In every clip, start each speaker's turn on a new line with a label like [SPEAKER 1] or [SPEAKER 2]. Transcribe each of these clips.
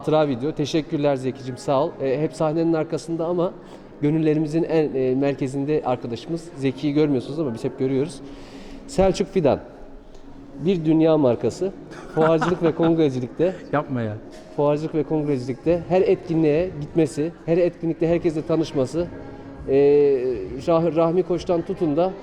[SPEAKER 1] Hatıra video. Teşekkürler Zeki'cim, sağ ol. Hep sahnenin arkasında ama gönüllerimizin en merkezinde arkadaşımız. Zeki'yi görmüyorsunuz ama biz hep görüyoruz. Selçuk Fidan. Bir dünya markası. Fuarcılık ve kongrecilikte.
[SPEAKER 2] Yapma ya.
[SPEAKER 1] Fuarcılık ve kongrecilikte her etkinliğe gitmesi, her etkinlikte herkesle tanışması, Rahmi Koç'tan tutun da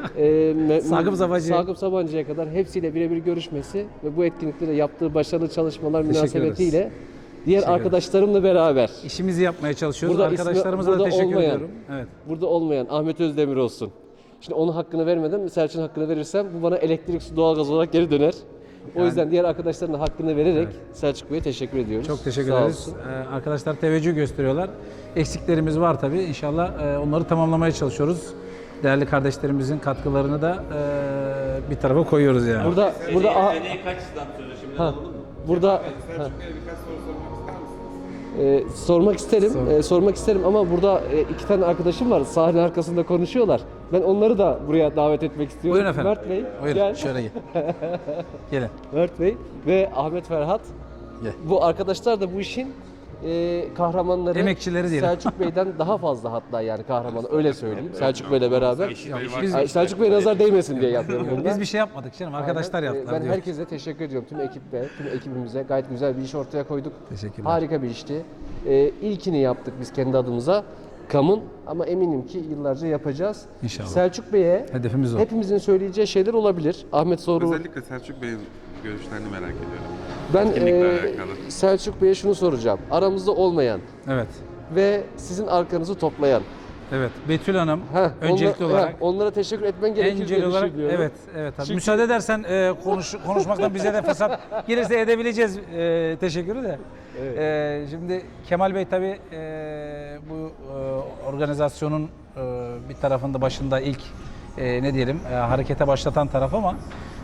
[SPEAKER 1] Sakıp Sabancı'ya kadar hepsiyle birebir görüşmesi ve bu etkinlikte de yaptığı başarılı çalışmalar münasebetiyle diğer arkadaşlarımla beraber
[SPEAKER 2] İşimizi yapmaya çalışıyoruz.
[SPEAKER 1] Burada
[SPEAKER 2] Arkadaşlarımıza da teşekkür ediyorum. Evet.
[SPEAKER 1] burada olmayan Ahmet Özdemir olsun. Şimdi onun hakkını vermeden Selçuk'un hakkını verirsem bu bana elektrik, su, doğalgaz olarak geri döner. O yüzden diğer arkadaşların da hakkını vererek Selçuk Bey'e teşekkür ediyoruz.
[SPEAKER 2] Çok teşekkür
[SPEAKER 1] Sağ
[SPEAKER 2] ederiz.
[SPEAKER 1] olsun.
[SPEAKER 2] Arkadaşlar teveccüh gösteriyorlar. Eksiklerimiz var tabii. İnşallah onları tamamlamaya çalışıyoruz. Değerli kardeşlerimizin katkılarını da bir tarafa koyuyoruz yani.
[SPEAKER 1] Burada
[SPEAKER 3] Seneye kaç stand sözü şimdiden alalım mı?
[SPEAKER 1] burada
[SPEAKER 4] Selçuk Bey'e birkaç soru sormak ister misiniz?
[SPEAKER 1] sormak isterim ama burada iki tane arkadaşım var. Sahne arkasında konuşuyorlar. Ben onları da buraya davet etmek istiyorum.
[SPEAKER 2] Buyurun efendim.
[SPEAKER 1] Mert Bey,
[SPEAKER 2] Buyurun
[SPEAKER 1] gel.
[SPEAKER 2] şöyle gel. Gelin.
[SPEAKER 1] Mert Bey ve Ahmet Ferhat.
[SPEAKER 2] Gel.
[SPEAKER 1] Bu arkadaşlar da bu işin kahramanları.
[SPEAKER 2] Emekçileri diyelim.
[SPEAKER 1] Selçuk Bey'den daha fazla hatta yani kahramanı öyle söyleyeyim. Selçuk Bey'le beraber.
[SPEAKER 2] Biz,
[SPEAKER 1] Ay, Selçuk Bey nazar değmesin diye yapıyorum bunu.
[SPEAKER 2] biz bir şey yapmadık canım. Arkadaşlar yaptılar
[SPEAKER 1] Ben
[SPEAKER 2] diyor.
[SPEAKER 1] herkese teşekkür ediyorum. Tüm ekibe, tüm ekibimize gayet güzel bir iş ortaya koyduk.
[SPEAKER 2] Teşekkürler.
[SPEAKER 1] Harika bir işti. İlkini yaptık biz kendi adımıza. Kam'ın ama eminim ki yıllarca yapacağız.
[SPEAKER 2] İnşallah.
[SPEAKER 1] Selçuk Bey'e
[SPEAKER 2] Hedefimiz o.
[SPEAKER 1] hepimizin söyleyeceği şeyler olabilir. Ahmet soru.
[SPEAKER 4] Özellikle Selçuk Bey'in görüşlerini merak ediyorum.
[SPEAKER 1] Ben
[SPEAKER 4] Etkinlikle alakalı.
[SPEAKER 1] Selçuk Bey'e şunu soracağım. Aramızda olmayan
[SPEAKER 2] Evet.
[SPEAKER 1] ve sizin arkanızı toplayan.
[SPEAKER 2] Evet. Betül Hanım öncelikli olarak
[SPEAKER 1] onlara teşekkür etmen gerekir diye
[SPEAKER 2] Encel olarak
[SPEAKER 1] düşünüyorum.
[SPEAKER 2] evet. Tabii. Müsaade edersen konuşmaktan bize de fırsat gelirse edebileceğiz teşekkürü de. Şimdi Kemal Bey tabii bu organizasyonun bir tarafında başında ilk ne diyelim harekete başlatan taraf ama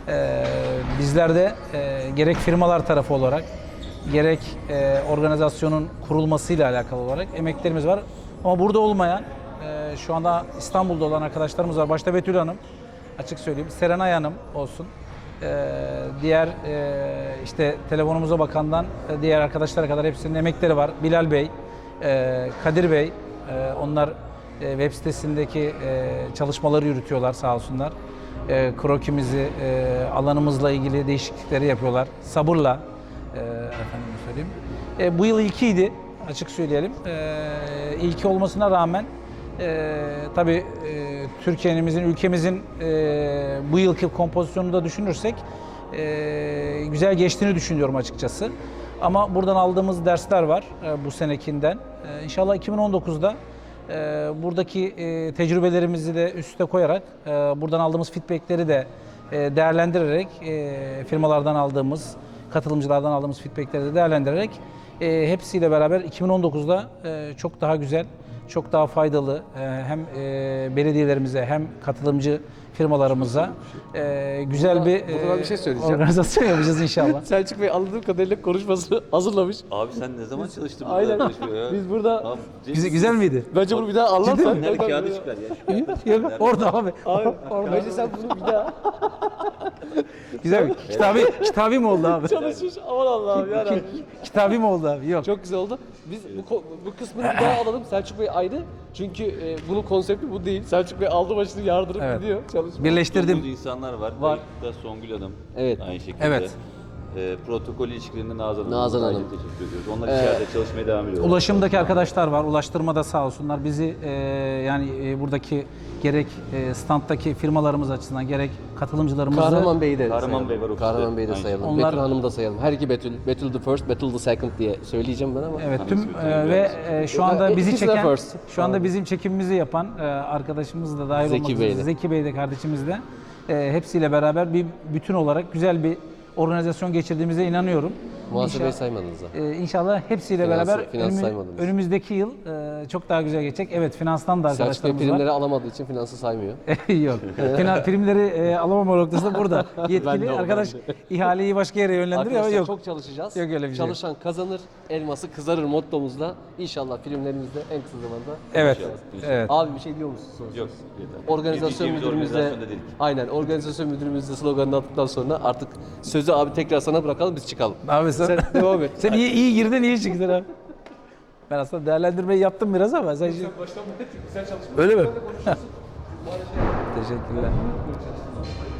[SPEAKER 2] bizler de gerek firmalar tarafı olarak gerek organizasyonun kurulmasıyla alakalı olarak emeklerimiz var. Ama burada olmayan şu anda İstanbul'da olan arkadaşlarımız var. Başta Betül Hanım, açık söyleyeyim. Serenay Hanım olsun. Diğer işte telefonumuza bakandan diğer arkadaşlara kadar hepsinin emekleri var. Bilal Bey, Kadir Bey, onlar web sitesindeki çalışmaları yürütüyorlar sağ olsunlar. Krokimizi, alanımızla ilgili değişiklikleri yapıyorlar. Sabırla, efendim söyleyeyim. Bu yıl ilkiydi, açık söyleyelim. İlki olmasına rağmen tabii Türkiye'mizin, ülkemizin bu yılki kompozisyonunu da düşünürsek güzel geçtiğini düşünüyorum açıkçası. Ama buradan aldığımız dersler var bu senekinden. İnşallah 2019'da buradaki tecrübelerimizi de üste koyarak, buradan aldığımız feedbackleri de değerlendirerek, firmalardan aldığımız, katılımcılardan aldığımız feedbackleri de değerlendirerek hepsiyle beraber 2019'da çok daha güzel, çok daha faydalı hem belediyelerimize hem katılımcı firmalarımıza güzel
[SPEAKER 1] burada bir şey söyleyeceğim.
[SPEAKER 2] organizasyon yapacağız inşallah.
[SPEAKER 1] Selçuk Bey anladığım kadarıyla konuşmasını hazırlamış.
[SPEAKER 3] Abi sen ne zaman çalıştın burada
[SPEAKER 1] Aynen.
[SPEAKER 3] çalışmaya ya?
[SPEAKER 1] Biz burada
[SPEAKER 3] Abi,
[SPEAKER 2] Güzel miydi?
[SPEAKER 1] bence bunu bir daha anlatsan.
[SPEAKER 3] Nerede kağıdı çıkar ya?
[SPEAKER 2] Yok, orada abi.
[SPEAKER 1] Bence sen bunu bir daha
[SPEAKER 2] Güzel mi? Kitabi mi oldu abi?
[SPEAKER 1] çalışmış. Aman Allah'ım yarabbim.
[SPEAKER 2] Kitabi mi oldu abi? Yok.
[SPEAKER 1] Çok güzel oldu. Biz bu kısmını bir daha alalım. Selçuk Bey ayrı. Çünkü bunun konsepti bu değil. Selçuk Bey aldı başını yardırıp
[SPEAKER 2] Evet.
[SPEAKER 1] gidiyor. Çalışmaya.
[SPEAKER 2] Birleştirdim.
[SPEAKER 3] Çok insanlar var.
[SPEAKER 1] Var.
[SPEAKER 3] Kayıtta Songül Hanım.
[SPEAKER 1] Evet.
[SPEAKER 3] Aynı şekilde.
[SPEAKER 2] Evet.
[SPEAKER 3] Protokol ilişkilerinde Nazan Hanım.
[SPEAKER 1] Nazan Hanım.
[SPEAKER 3] Ayrıca teşekkür ediyoruz. Onlar içeride çalışmaya devam ediyorlar.
[SPEAKER 2] Ulaşımdaki arkadaşlar var. Ulaştırmada sağ olsunlar. Bizi buradaki gerek standtaki firmalarımız açısından gerek katılımcılarımızı
[SPEAKER 1] Kahraman Bey'i de
[SPEAKER 3] Kahraman
[SPEAKER 1] sayalım.
[SPEAKER 3] Bey var ofiste.
[SPEAKER 1] Kahraman Bey'i de
[SPEAKER 3] Aynı
[SPEAKER 1] sayalım.
[SPEAKER 2] şekilde. Onlar-
[SPEAKER 1] Betül Hanım'ı da sayalım. Her iki Betül. Betül the first, Betül the second diye söyleyeceğim ben ama.
[SPEAKER 2] evet tüm şu anda bizi
[SPEAKER 1] İkisi de
[SPEAKER 2] çeken
[SPEAKER 1] first.
[SPEAKER 2] şu anda bizim çekimimizi yapan arkadaşımız da dahil
[SPEAKER 1] Zeki
[SPEAKER 2] olmak
[SPEAKER 1] Bey
[SPEAKER 2] üzere
[SPEAKER 1] de.
[SPEAKER 2] Zeki Bey de kardeşimiz de hepsiyle beraber bir bütün olarak güzel bir organizasyon geçirdiğimize inanıyorum.
[SPEAKER 1] Muhasebeyi
[SPEAKER 2] İnşallah-
[SPEAKER 1] saymadınız da.
[SPEAKER 2] İnşallah hepsiyle
[SPEAKER 1] Finans-
[SPEAKER 2] beraber
[SPEAKER 1] finans saymadınız.
[SPEAKER 2] önümüzdeki yıl çok daha güzel geçecek. Evet, finanstan da
[SPEAKER 1] Selçuk Bey
[SPEAKER 2] arkadaşlarımız
[SPEAKER 1] primleri
[SPEAKER 2] var.
[SPEAKER 1] alamadığı için finansı saymıyor.
[SPEAKER 2] Yok. Primleri alamama noktasında burada. Yetkili
[SPEAKER 1] Ben de
[SPEAKER 2] arkadaş ihaleyi başka yere yönlendiriyor ama
[SPEAKER 1] Arkadaşlar
[SPEAKER 2] yok.
[SPEAKER 1] çok çalışacağız.
[SPEAKER 2] Yok öyle bir şey.
[SPEAKER 1] Çalışan kazanır, elması kızarır mottomuzla. İnşallah filmlerimizde en kısa zamanda.
[SPEAKER 2] Evet.
[SPEAKER 3] İnşallah.
[SPEAKER 2] Evet.
[SPEAKER 1] Abi bir şey diyor musun? Son
[SPEAKER 3] Yok.
[SPEAKER 1] söz?
[SPEAKER 3] Yeter.
[SPEAKER 1] Organizasyon
[SPEAKER 3] Biz
[SPEAKER 1] müdürümüzle
[SPEAKER 3] organizasyonda değiliz.
[SPEAKER 1] aynen organizasyon müdürümüzle sloganını attıktan sonra artık sözü Sözü abi tekrar sana bırakalım, biz çıkalım.
[SPEAKER 2] Abi sen
[SPEAKER 1] Devam et.
[SPEAKER 2] Sen iyi girdin, iyi çıktın abi. Ben aslında değerlendirmeyi yaptım biraz ama sen
[SPEAKER 1] Baştan beri güzel çalışma.
[SPEAKER 2] öyle mi?
[SPEAKER 1] Konuşursun.
[SPEAKER 2] Teşekkürler.